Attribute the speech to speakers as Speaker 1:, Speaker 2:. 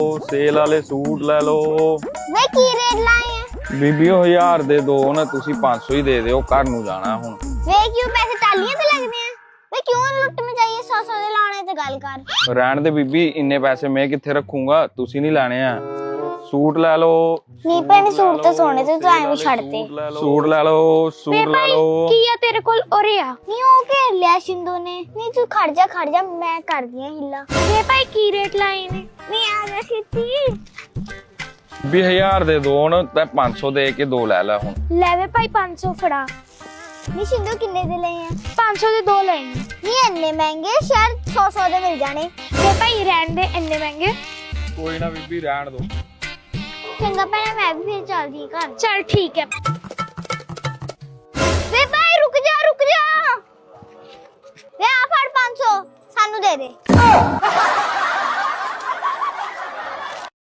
Speaker 1: Cell वाले suit ले लो।
Speaker 2: वे की रेट लाए हैं
Speaker 1: बीबी 1000 दे दो ना, तुसी 500 ही दे दो, घर नू जाना हुन।
Speaker 2: वे क्यों पैसे टालियां ते लगदे हैं? वे क्यों लुट में चाहिए 100 दे लाने ते गल कर।
Speaker 1: रहन दे बीबी, इन्ने पैसे मैं किथे रखूंगा, तुसी नहीं लाने हैं। सूट ले लो।
Speaker 2: नहीं भैने सूट तो सोने ते तू ऐਵੇਂ ਛੱਡਤੇ।
Speaker 1: सूट ले लो, सूट ले लो।
Speaker 2: ਕੀ ਆ ਤੇਰੇ ਕੋਲ ਉਰੇ ਆ? ਨਹੀਂ ਉਹ ਘੇਰ ਲਿਆ ਸ਼ਿੰਦੂ ਨੇ। ਨਹੀਂ ਤੂੰ ਖੜ ਜਾ ਮੈਂ ਕਰਦੀ ਆ ਹਿੱਲਾ। ਵੇ ਭਾਈ ਕੀ ਰੇਟ ਲਾਏ ਨੇ? ਨਹੀਂ ਆ ਜਾ ਛੇਤੀ।
Speaker 1: 20000 ਦੇ ਦੋ ਨਾ ਤੇ 500 ਦੇ ਕੇ ਦੋ ਲੈ ਲੈ ਹੁਣ।
Speaker 2: ਲੈ ਵੇ ਭਾਈ 500 ਫੜਾ। ਨਹੀਂ ਸ਼ਿੰਦੂ ਕਿੰਨੇ ਦੇ ਲਏ ਆ? 500 ਦੇ ਦੋ ਲਏ ਨੇ। ਨਹੀਂ ਇੰਨੇ ਮਹਿੰਗੇ, ਸ਼ਾਇਦ 100 ਦੇ ਮਿਲ ਜਾਣੇ। ਵੇ ਭਾਈ ਰਹਿਣ ਦੇ ਇੰਨੇ ਮਹਿੰਗੇ।
Speaker 1: ਕੋਈ ਨਾ ਬੀਬੀ ਰਹਿਣ ਦੋ।
Speaker 2: ਚੰਗਾ ਭੈਣੇ ਮੈਂ ਵੀ ਫੇਰ ਚੱਲਦੀ ਘਰ। ਚੱਲ ਠੀਕ ਹੈ। ਵੇ ਭਾਈ ਰੁਕ ਜਾ ਵੇ ਆ ਫੜ 500 ਸਾਨੂੰ ਦੇ ਦੇ।